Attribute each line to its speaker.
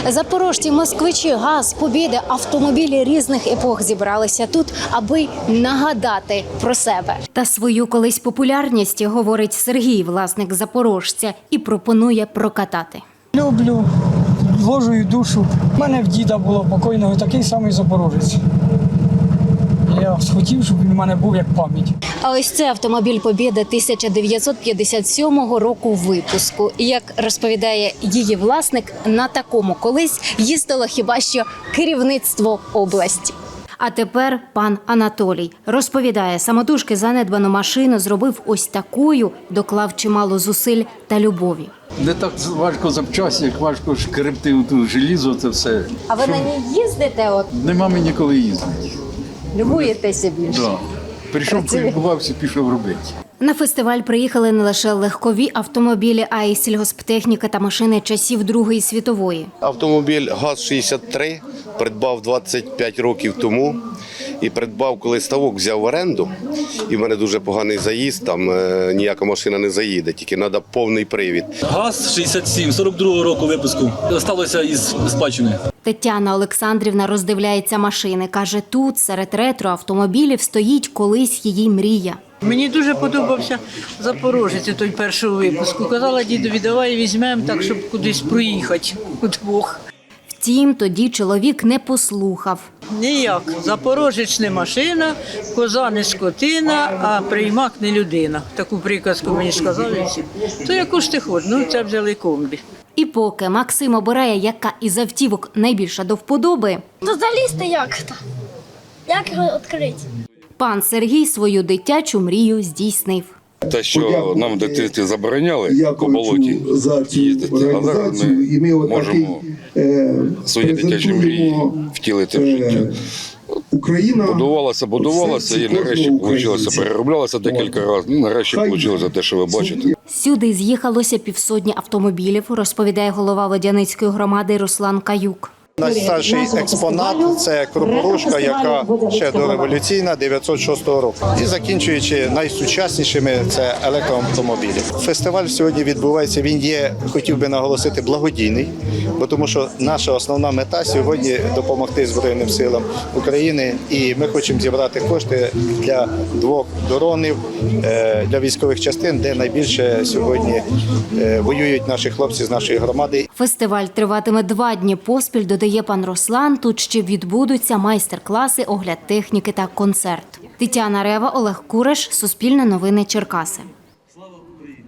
Speaker 1: Запорожці, москвичі, ГАЗ, Побєда, автомобілі різних епох зібралися тут, аби нагадати про себе. Та свою колись популярність, говорить Сергій, власник Запорожця, і пропонує прокатати.
Speaker 2: Люблю, вложую душу. У мене в діда було покойного такий самий запорожець. Я хотів, щоб він у мене був як пам'ять.
Speaker 1: А ось це автомобіль Побєда 1957 року випуску. І, як розповідає її власник, на такому колись їздило хіба що керівництво області. А тепер пан Анатолій розповідає, самотужки занедбану машину зробив ось такою, доклав чимало зусиль та любові.
Speaker 3: Не так важко запчасти, як важко шкребти ту желізо, це все.
Speaker 1: А ви на ній їздите? От
Speaker 3: Нема мені коли їздити.
Speaker 1: любуєтеся більше?
Speaker 3: Да. Прийшов, полюбувався, пішов робити.
Speaker 1: На фестиваль приїхали не лише легкові автомобілі, а й сільгосптехніка та машини часів Другої світової.
Speaker 4: Автомобіль ГАЗ-63 придбав 25 років тому. І придбав, коли ставок взяв в оренду, і в мене дуже поганий заїзд, там ніяка машина не заїде, тільки треба повний привід.
Speaker 5: ГАЗ-67, 42-го року випуску. Сталося із спадщини.
Speaker 1: Тетяна Олександрівна роздивляється машини. Каже, тут серед ретро-автомобілів стоїть колись її мрія.
Speaker 6: Мені дуже подобався Запорожець, той першого випуску. Казала дідові, давай візьмемо так, щоб кудись проїхати удвох.
Speaker 1: Втім, тоді чоловік не послухав.
Speaker 6: Ніяк. Запорожець не машина, коза не скотина, а приймак не людина. Таку приказку мені сказали всі. То яку ж ти хочеш? Ну, це взяли комбі.
Speaker 1: І поки Максим обирає, яка із автівок найбільша до вподоби,
Speaker 7: То залізти як-то? Як його відкрити?
Speaker 1: пан Сергій свою дитячу мрію здійснив.
Speaker 8: Те, що нам в дитинстві забороняли по болоті їздити, а зараз ми можемо свої дитячі мрії втілити в життя. Будувалося і нарешті вийшло, перероблялося декілька разів, нарешті вийшло те, що ви бачите.
Speaker 1: Сюди з'їхалося півсотні автомобілів, розповідає голова Водяницької громади Руслан Каюк.
Speaker 9: Найстарший експонат – це Кропорушка, яка ще дореволюційна, 906 року. І закінчуючи найсучаснішими – це електроавтомобілі. Фестиваль сьогодні відбувається, він є, хотів би наголосити, благодійний, бо тому що наша основна мета сьогодні – допомогти Збройним силам України. І ми хочемо зібрати кошти для 2 дронів, для військових частин, де найбільше сьогодні воюють наші хлопці з нашої громади.
Speaker 1: Фестиваль триватиме 2 дні поспіль, додає пан Руслан. Тут ще відбудуться майстер-класи, огляд техніки та концерт. Тетяна Рева, Олег Кураш, Суспільне новини, Черкаси.